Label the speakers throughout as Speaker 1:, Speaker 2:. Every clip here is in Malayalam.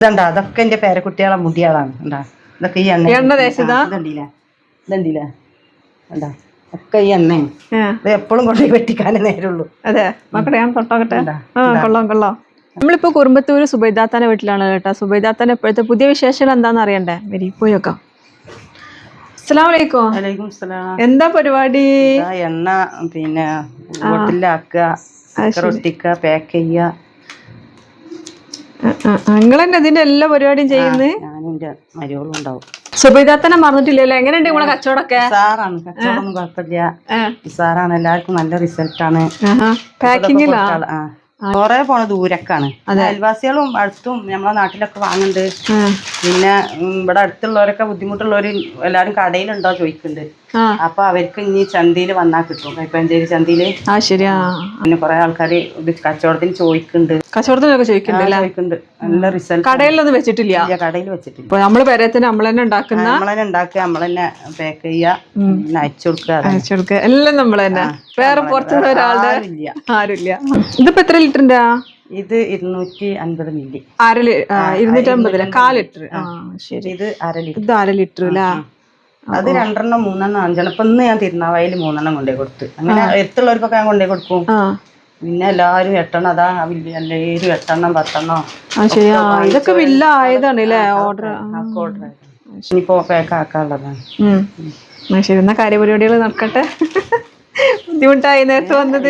Speaker 1: ഇതണ്ടാ അതൊക്കെ എന്റെ പേരക്കുട്ടികളെ മുടികളാണ് ഉണ്ടാ ഇതൊക്കെ ഈ എണ്ണ ഇതണ്ടില്ല ഉണ്ടാ ഒക്കെ ഈ എണ്ണയും ഇത് എപ്പോഴും കൊണ്ടുപോയി വെട്ടിക്കാനേ നേരമുള്ളൂ.
Speaker 2: അതെ മക്കളെ ഞാൻ തൊട്ടോക്കട്ടെ. കൊള്ളാം കൊള്ളാം. നമ്മളിപ്പോ കുറുമ്പത്തൂര് സുബൈദാത്താന്റെ വീട്ടിലാണ് കേട്ടോ. സുബൈദാത്താന്റെ ഇപ്പോഴത്തെ പുതിയ വിശേഷങ്ങൾ എന്താന്ന് അറിയണ്ടേ? വരി പോയോക്കാം. അസ്സലാമലൈക്കും. എന്താ പരിപാടി?
Speaker 1: എണ്ണ പിന്നെ ബോട്ടിലാക്കുക, ഒട്ടിക്കുക, പാക്ക് ചെയ്യുക.
Speaker 2: നിങ്ങൾ തന്നെ ഇതിന്റെ എല്ലാ പരിപാടിയും ചെയ്യുന്നത്?
Speaker 1: ഞാനും എന്റെ മരുമകളും ഉണ്ടാവും.
Speaker 2: സുബൈദാത്തനെ മറന്നിട്ടില്ലല്ലോ. എങ്ങനെയുണ്ട് നിങ്ങളെ കച്ചവടമൊക്കെ?
Speaker 1: സാറാണ്, കച്ചവടമൊന്നും കുഴപ്പമില്ല. സാറാണ്, എല്ലാവർക്കും നല്ല റിസൾട്ടാണ്.
Speaker 2: പാക്കിങ്ങിലാ
Speaker 1: കൊറേ പോണ ദൂരക്കാണ്. അയൽവാസികളും അടുത്തും നമ്മളെ നാട്ടിലൊക്കെ വാങ്ങുന്നുണ്ട്. പിന്നെ ഇവിടെ അടുത്തുള്ളവരൊക്കെ ബുദ്ധിമുട്ടുള്ളവര് എല്ലാരും കടയിലുണ്ടോ ചോദിക്കുന്നുണ്ട്. അപ്പൊ അവർക്ക് ഇനി ചന്തയിൽ വന്നാൽ കിട്ടും, കൈപ്പഞ്ചേരി ചന്തയില്. പിന്നെ കൊറേ ആൾക്കാര് കച്ചവടത്തിന് ചോദിക്കുന്നുണ്ട്.
Speaker 2: കച്ചവടത്തിനൊക്കെ ചോദിക്കുന്നുണ്ട്.
Speaker 1: നല്ല റിസൾട്ട്.
Speaker 2: കടയിലൊന്നും വെച്ചിട്ടില്ല?
Speaker 1: കടയിൽ വെച്ചിട്ടില്ല.
Speaker 2: നമ്മള് പേരത്തിന് നമ്മൾ തന്നെ ഉണ്ടാക്കുന്ന,
Speaker 1: ഉണ്ടാക്കുക, നമ്മൾ തന്നെ പാക്ക് ചെയ്യുക, അയച്ചു കൊടുക്കുക,
Speaker 2: എല്ലാം നമ്മൾ തന്നെ. വേറെ പുറത്തുനിന്ന് ഒരാളുടെ ആരുമില്ല. ഇതിപ്പോ എത്ര ലിറ്ററിന്റെ?
Speaker 1: ഇത് 250 മില്ലി.
Speaker 2: 250 1/4 ലിറ്റർ. ശരി.
Speaker 1: ഇത് 1/2 ലിറ്റർ.
Speaker 2: ഇത് 1/2 ലിറ്റർ അല്ലേ?
Speaker 1: അത് 2 3 5 ഇപ്പൊ ഇന്ന് ഞാൻ തിരുനാവായിൽ 3 കൊണ്ടേ കൊടുത്ത്. അങ്ങനെ എത്തുള്ളവർക്കൊക്കെ ഞാൻ കൊണ്ടേ കൊടുക്കും. പിന്നെ എല്ലാരും 8 അതാ എല്ലാവരും 8 10.
Speaker 2: ഇതൊക്കെ വില്ല ആയതാണ് അല്ലേ? ഓർഡർ
Speaker 1: ഇനിയിപ്പോ പാക്ക് ആക്കാനുള്ളതാണ്.
Speaker 2: ശരി, എന്നാ കാര്യപരിപാടികൾ നടക്കട്ടെ. ബുദ്ധിമുട്ടായി നേരത്തെ വന്നത്.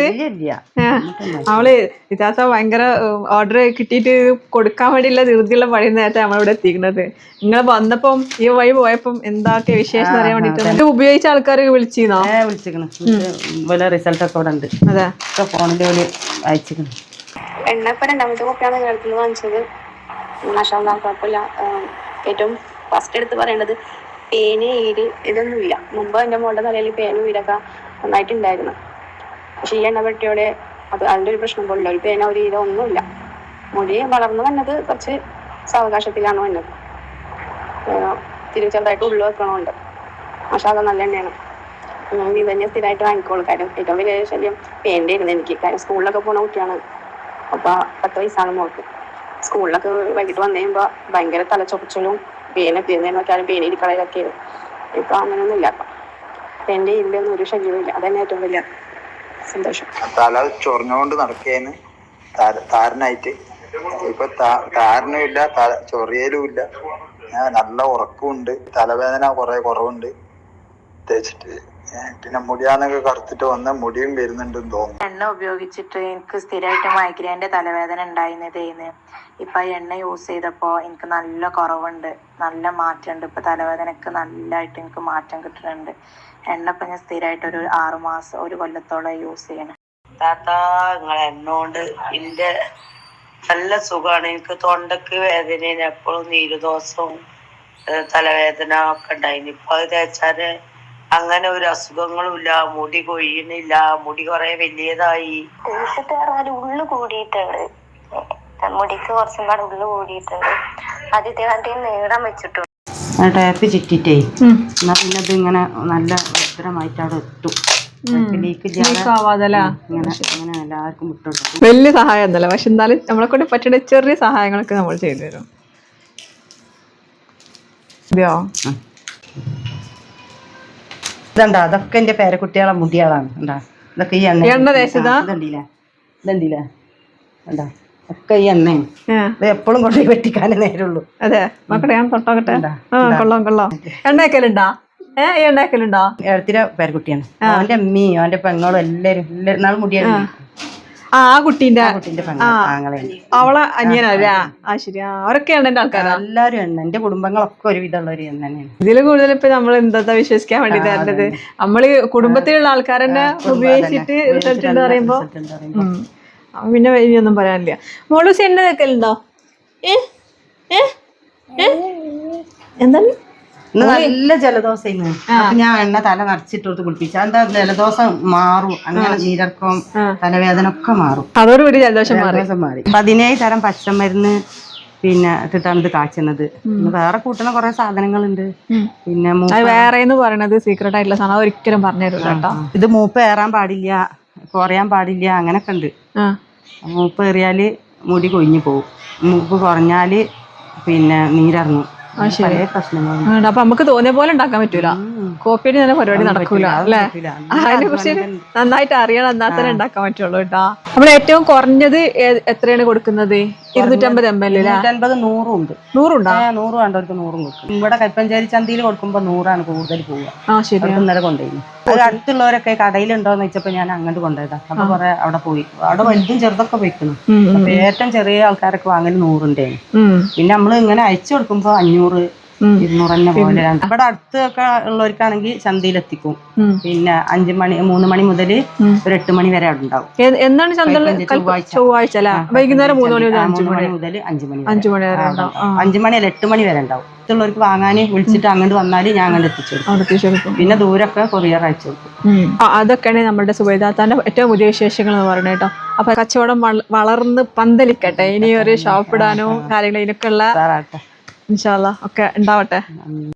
Speaker 2: അവള് ഇതാത്ത ഭയങ്കര ഓർഡർ കിട്ടിയിട്ട് കൊടുക്കാൻ വേണ്ടിയുള്ള ധൃതിയുള്ള പണി നേരത്തെ നമ്മളിവിടെ എത്തിക്കുന്നത്. നിങ്ങൾ വന്നപ്പം ഈ വഴി പോയപ്പം എന്താക്കിയ വിശേഷം അറിയാൻ വേണ്ടിട്ട് ഉപയോഗിച്ച ആൾക്കാർ വിളിച്ചിരുന്നോ?
Speaker 1: റിസൾട്ട് ഒക്കെ ഇവിടെ ഉണ്ട്. അതെ, ഫോണിൽ അയച്ചിരുന്നു.
Speaker 3: എണ്ണ ഇപ്പൊ 2ാമത്തെ കോപ്പിയാണ് നിങ്ങളടുത്ത് വാങ്ങിച്ചത്. കുഴപ്പമില്ല. ഏറ്റവും ഫസ്റ്റ് എടുത്ത് പറയേണ്ടത് പേന്, ഈര് ഇതൊന്നുമില്ല. മുമ്പ് എൻ്റെ മോളുടെ തലയിൽ പേനും ഈരൊക്കെ നന്നായിട്ടുണ്ടായിരുന്നു. പക്ഷെ ഈ എണ്ണ പെട്ടിയോടെ അതിൻ്റെ ഒരു പ്രശ്നം പോലില്ല. ഒരു പേന, ഒരു ഈര ഒന്നുമില്ല. മുടി വളർന്നു വന്നത് കുറച്ച് സാവകാശത്തിലാണ് വന്നത്. ചെറുതായിട്ട് ഉള്ളു വെക്കണമുണ്ട്. പക്ഷെ അത് നല്ല എണ്ണയാണ്. ഇത് തന്നെ സ്ഥിരമായിട്ട് വാങ്ങിക്കോളൂ. കാര്യം ഏറ്റവും വലിയ ശല്യം പേൻ്റെ ആയിരുന്നു എനിക്ക്. കാര്യം സ്കൂളിലൊക്കെ പോണ കുട്ടിയാണ്. അപ്പോൾ 10 വയസ്സാണ് മോൾക്ക്. സ്കൂളിലൊക്കെ വൈകിട്ട് വന്നു കഴിയുമ്പോൾ ഭയങ്കര തലച്ചൊറിച്ചിലും പേനൊക്കെയാലും പേനിരിക്കളയിലൊക്കെ ആയിരുന്നു. ഇപ്പൊ അങ്ങനെയൊന്നും ഇല്ല. പേൻ്റെ ഇതിലൊന്നും ഒരു ശല്യവും ഇല്ല. അതന്നെ ഏറ്റവും വലിയ സന്തോഷം.
Speaker 4: തല ചൊറിഞ്ഞുകൊണ്ട് നടക്കേന്ന് താരനായിട്ട്. ഇപ്പൊ താരനും ഇല്ല, ചൊറിയലും ഇല്ല. നല്ല ഉറക്കമുണ്ട്. തലവേദന കുറെ കുറവുണ്ട് തേച്ചിട്ട്. പിന്നെ മുടിയാന്നൊക്കെ കറുത്തിട്ട് വന്ന മുടിയും വരുന്നുണ്ടെന്ന് തോന്നുന്നു.
Speaker 5: എണ്ണ ഉപയോഗിച്ചിട്ട് എനിക്ക് സ്ഥിരമായിട്ട് മൈഗ്രെയിൻ്റെ തലവേദന ഉണ്ടായിരുന്നതേന്ന്. ഇപ്പൊ എണ്ണ യൂസ് ചെയ്തപ്പോ എനിക്ക് നല്ല കുറവുണ്ട്, നല്ല മാറ്റമുണ്ട്. ഇപ്പൊ തലവേദനക്ക് നല്ലതായിട്ട് എനിക്ക് മാറ്റം കിട്ടുന്നുണ്ട്. എണ്ണ ഇപ്പൊ ഞാൻ സ്ഥിരമായിട്ട് ഒരു 6 മാസം 1 കൊല്ലത്തോളം യൂസ് ചെയ്യണം.
Speaker 6: താത്താ, നിങ്ങളെ എണ്ണ കൊണ്ട് എന്റെ നല്ല സുഖമാണ്. എനിക്ക് തൊണ്ടക്ക് വേദന, എപ്പോഴും നീരുദോഷവും തലവേദന ഒക്കെ ഉണ്ടായിരുന്നു. ഇപ്പൊ അത് തേച്ചാല് അങ്ങനെ ഒരു അസുഖങ്ങളും ഇല്ല. മുടി കൊഴിയണില്ല. മുടി കുറെ വലിയതായി.
Speaker 3: ഉള്ളു കൂടിയിട്ടുണ്ട്. മുടിക്ക് കുറച്ചും പാടെ ഉള്ളു കൂടിയിട്ടുണ്ട്. അത് ഇതേ നീളം വെച്ചിട്ടുണ്ട്.
Speaker 1: ടാപ്പ് ചുറ്റിട്ടേ എന്നാ പിന്നെ അത് ഇങ്ങനെ നല്ല ഭദ്രമായിട്ട് അവിടെ എത്തും. എല്ലാവർക്കും വിട്ടു.
Speaker 2: വലിയ സഹായം ഒന്നല്ല, പക്ഷെ എന്നാലും നമ്മളെ കൊണ്ട് പറ്റുന്ന ചെറിയ സഹായങ്ങളൊക്കെ നമ്മൾ ചെയ്തു തരും.
Speaker 1: ഇതണ്ടാ അതൊക്കെ എന്റെ പേരക്കുട്ടികളെ മുടികളാണ്. ഉണ്ടാ ഇതൊക്കെ ഈ എണ്ണ ഇതണ്ടില്ല ഉണ്ടാ ഒക്കെ ഈ എണ്ണയും. ഇത് എപ്പോഴും കൊണ്ടുപോയി വെട്ടിക്കാനേ നേരമുള്ളൂ.
Speaker 2: അതെ മക്കളെ ഞാൻ തൊട്ടോക്കട്ടെ. കൊള്ളാം. എണ്ണയാക്കലുണ്ടാ? എണ്ണയാക്കലുണ്ടോ?
Speaker 1: എഴുത്തിര പേരക്കുട്ടിയാണ്. അവന്റെ അമ്മയും അവന്റെ പെങ്ങളും എല്ലാരും നാളെ മുടിയാണ്.
Speaker 2: ആ കുട്ടീന്റെ
Speaker 1: ആങ്ങളെയാണ്.
Speaker 2: അവളെ അനിയനല്ലേ? ആ ശരി. അവരൊക്കെയാണ് എന്റെ ആൾക്കാരാ?
Speaker 1: എല്ലാരും എണ്ണ. എന്റെ കുടുംബങ്ങളൊക്കെ ഒരുവിധമുള്ളവര് എണ്ണ തന്നെയാണ്.
Speaker 2: ഇതില് കൂടുതൽ ഇപ്പൊ നമ്മൾ എന്താ വിശ്വസിക്കാൻ വേണ്ടി തരേണ്ടത്? നമ്മള് കുടുംബത്തിലുള്ള ആൾക്കാരെന്നെ ഉപയോഗിച്ചിട്ട് റിസൾട്ട് ഉണ്ട് പറയുമ്പോ പിന്നെ ഇനിയൊന്നും പറയാനില്ല. മോളൂസി എണ്ണ വെക്കലുണ്ടോ? എന്താണ്?
Speaker 1: നല്ല ജലദോഷം. അപ്പൊ ഞാൻ എണ്ണ തല നിറച്ചിട്ട് കുളിപ്പിച്ച എന്താ ജലദോഷം മാറും. അങ്ങനെ നീരക്കം, തലവേദന ഒക്കെ മാറും.
Speaker 2: അതോടുകൂടി ജലദോഷം
Speaker 1: മാറി. 17 തരം പച്ചമരുന്ന് പിന്നെ ഇട്ടിട്ടാണ് ഇത് കാച്ചുന്നത്. വേറെ കൂട്ടുന്ന കുറെ സാധനങ്ങളുണ്ട്. പിന്നെ
Speaker 2: വേറെ പറയണത് സീക്രട്ട് ആയിട്ടുള്ള സാധനം ഒരിക്കലും പറഞ്ഞു തരില്ല കേട്ടോ.
Speaker 1: ഇത് മൂപ്പ് ഏറാൻ പാടില്ല, കുറയാൻ പാടില്ല, അങ്ങനൊക്കെ ഉണ്ട്. മൂപ്പ് ഏറിയാല് മുടി കൊഴിഞ്ഞു പോകും. മൂപ്പ് കുറഞ്ഞാല് പിന്നെ നീരിറങ്ങും. പല പ്രശ്നങ്ങളും.
Speaker 2: അപ്പൊ നമുക്ക് തോന്നിയ പോലെ ഉണ്ടാക്കാൻ പറ്റൂല, കോപ്പിയടി തന്നെ പരിപാടി നടക്കൂല അല്ലേ? അതിനെ കുറിച്ച് നന്നായിട്ട് അറിയണം, എന്നാൽ തന്നെ ഉണ്ടാക്കാൻ പറ്റുള്ളൂ കേട്ടാ. നമ്മൾ ഏറ്റവും കുറഞ്ഞത് എത്രയാണ് കൊടുക്കുന്നത്? 250 ml
Speaker 1: 250, 100 ഉണ്ട്.
Speaker 2: 100 ഉണ്ടോ?
Speaker 1: 100 വേണ്ടവർക്ക് 100 കൊടുക്കും. ഇവിടെ കൽപ്പഞ്ചേരി ചന്തയിൽ കൊടുക്കുമ്പോ 100 കൂടുതൽ പോവുക.
Speaker 2: ശരി.
Speaker 1: ഇന്നലെ കൊണ്ടുപോയി. അത് അടുത്തുള്ളവരൊക്കെ കടയിലുണ്ടോന്ന് വെച്ചപ്പോ ഞാൻ അങ്ങോട്ട് കൊണ്ടുപോയതാ. അപ്പൊ കുറെ അവിടെ പോയി, അവിടെ വലുതും ചെറുതൊക്കെ പോയിക്കണം. അപ്പൊ ഏറ്റവും ചെറിയ ആൾക്കാരൊക്കെ വാങ്ങൽ 100 ഉണ്ടായിരുന്നു. പിന്നെ നമ്മള് ഇങ്ങനെ അയച്ചു കൊടുക്കുമ്പോ 500, 200 തന്നെ പോലെ. ഇവിടെ അടുത്തൊക്കെ ഉള്ളവർക്കാണെങ്കിൽ ചന്തയിലെത്തിക്കും. പിന്നെ 5 മണി 3 മണി മുതൽ ഒരു 8 മണി വരെ അവിടെ ഉണ്ടാവും.
Speaker 2: എന്നാണ് ചൊവ്വാഴ്ച അല്ല? വൈകുന്നേരം 3 മണി മുതൽ 5 മണി
Speaker 1: മുതൽ 5 മണി
Speaker 2: 5 മണി വരെ ഉണ്ടാവും.
Speaker 1: 5 മണി അല്ല 8 മണി വരെ ഉണ്ടാവും. അടുത്തുള്ളവർക്ക് വാങ്ങാൻ വിളിച്ചിട്ട് അങ്ങോട്ട് വന്നാല് ഞാൻ അങ്ങോട്ട് എത്തിച്ചു കൊടുക്കും. പിന്നെ ദൂരമൊക്കെ കൊറിയർ അയച്ചു കൊടുക്കും.
Speaker 2: അതൊക്കെയാണ് നമ്മുടെ സുബൈദാത്താന്റെ ഏറ്റവും പുതിയ വിശേഷങ്ങൾ എന്ന് പറയുന്നത് കേട്ടോ. അപ്പൊ കച്ചവടം വളർന്ന് പന്തലിക്കട്ടെ. ഇനി ഒരു ഷോപ്പ് ഇടാനോ കാര്യങ്ങൾ ഇതിനൊക്കെ ഉള്ള ഇൻഷാ അല്ലാഹ് ഒക്കെ ഉണ്ടാവട്ടെ.